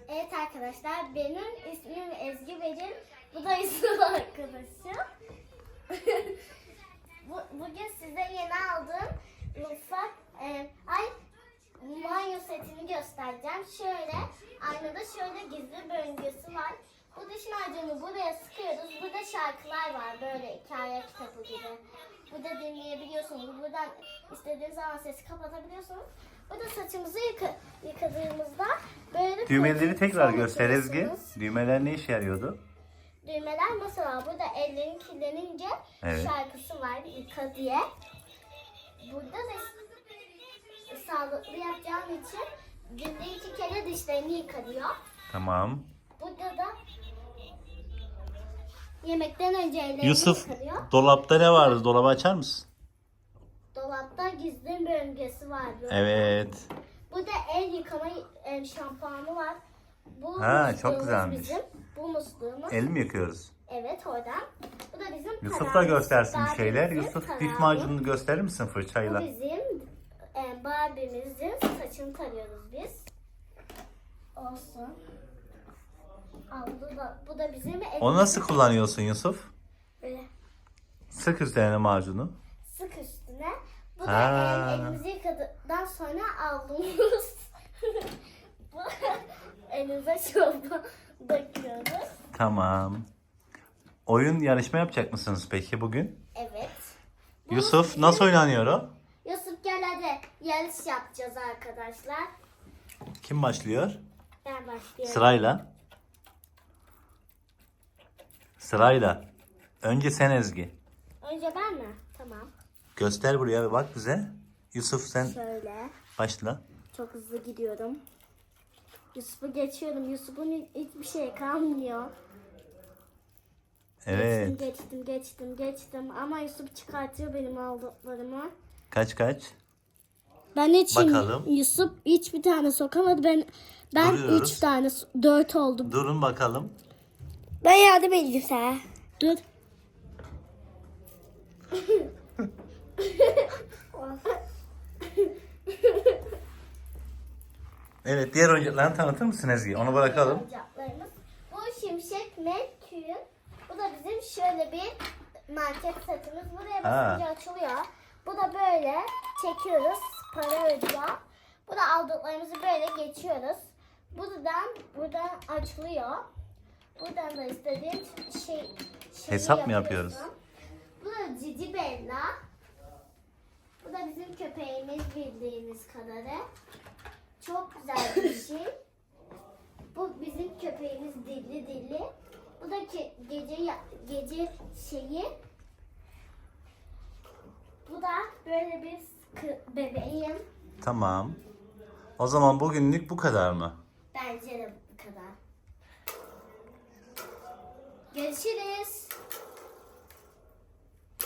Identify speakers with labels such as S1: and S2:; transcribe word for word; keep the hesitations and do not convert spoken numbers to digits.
S1: Evet arkadaşlar, benim ismim Ezgi Becim. Bu da Yusuf arkadaşım. Bu, bugün size yeni aldığım mutfak e, ay banyo setini göstereceğim. Şöyle aynada şöyle gizli bölgesi var. Bu diş macunu buraya sıkıyoruz. Burada şarkılar var, böyle hikaye kitabı gibi. Burada dinleyebiliyorsunuz. Buradan istediğiniz zaman sesi kapatabiliyorsunuz. Burada saçımızı yıka, yıkadığımızda böyle
S2: Düğmeleri tekrar
S1: fon
S2: göster Ezgi.
S1: yapıyorsunuz.
S2: Düğmeler ne işe yarıyordu?
S1: Düğmeler mesela burada ellerin kirlenince
S2: Evet.
S1: şarkısı var, yıka diye. Burada da sağlıklı yapacağım için günde iki kere dişlerini yıka diyor.
S2: Tamam.
S1: Burada da yemekten önce ellerini
S2: Yusuf,
S1: yıka diyor.
S2: dolapta ne vardı? Dolabı açar mısın?
S1: Dolapta gizli bölgesi var. Böyle.
S2: Evet.
S1: Burada el yıkama e, şampuanı var. Bu
S2: Ha,
S1: musluğumuz
S2: çok güzelmiş.
S1: Bizim. Bu musluğumuz.
S2: El mi yıkıyoruz?
S1: Evet, oradan. Bu da bizim
S2: Yusuf da
S1: tarağımız.
S2: göstersin bir şeyler.
S1: Barbie'mizin
S2: Yusuf diş
S1: tarağı.
S2: macununu gösterir misin
S1: Bu
S2: fırçayla?
S1: bizim e, Barbie'mizin saçını tarıyoruz biz. Olsun. Al, bu da, bu da bizim
S2: Onu nasıl kullanıyorsun Yusuf?
S1: böyle
S2: Sık üzerine macunu.
S1: sık üstüne. Bu
S2: Ha.
S1: da e, elimizi yıkadıktan sonra aldığımız bu elimize çorba döküyoruz.
S2: Tamam. Oyun yarışma yapacak mısınız peki bugün?
S1: Evet. Bu
S2: Yusuf
S1: bizim-
S2: nasıl oynanıyor o?
S1: Yusuf gel hadi yarış yapacağız arkadaşlar.
S2: Kim başlıyor?
S1: Ben başlıyorum.
S2: Sırayla. Sırayla. Önce sen Ezgi.
S1: Önce ben mi? Tamam.
S2: Göster buraya ve bak bize. Yusuf sen
S1: Şöyle.
S2: başla.
S1: Çok hızlı gidiyorum. Yusuf'u geçiyorum. Yusuf'un hiçbir şey kalmıyor.
S2: Evet.
S1: Geçtim, geçtim, geçtim, geçtim. Ama Yusuf çıkartıyor benim aldıklarımı.
S2: Kaç kaç?
S1: Ben hiç
S2: Bakalım.
S1: Yusuf hiçbir tane sokamadı. Ben ben
S2: Duruyoruz.
S1: üç tane, dört oldu.
S2: Durun bakalım.
S1: Ben yardım edeyim sana. Dur.
S2: Evet, diğer oyuncaklarını tanıtır mısın Ezgi? Onu bırakalım.
S1: Oyuncaklarımız. Bu Şimşek Merkür'ün. Bu da bizim şöyle bir market setimiz. Buraya basınca açılıyor. Bu da böyle çekiyoruz. Para ödüyor. Bu da aldıklarımızı böyle geçiyoruz. Buradan buradan açılıyor. Buradan da istediğin şey şeyi
S2: Hesap mı
S1: yapıyorsun.
S2: yapıyoruz?
S1: Bu da Cici Bella. Bu da bizim köpeğimiz bildiğiniz kadarı. Çok güzel bir şey. Bu bizim köpeğimiz dilli dilli. Bu da ki gece ya- gece şeyi. Bu da böyle bir kı- bebeğim.
S2: Tamam. O zaman bugünlük bu kadar mı?
S1: Bence de bu kadar. Görüşürüz.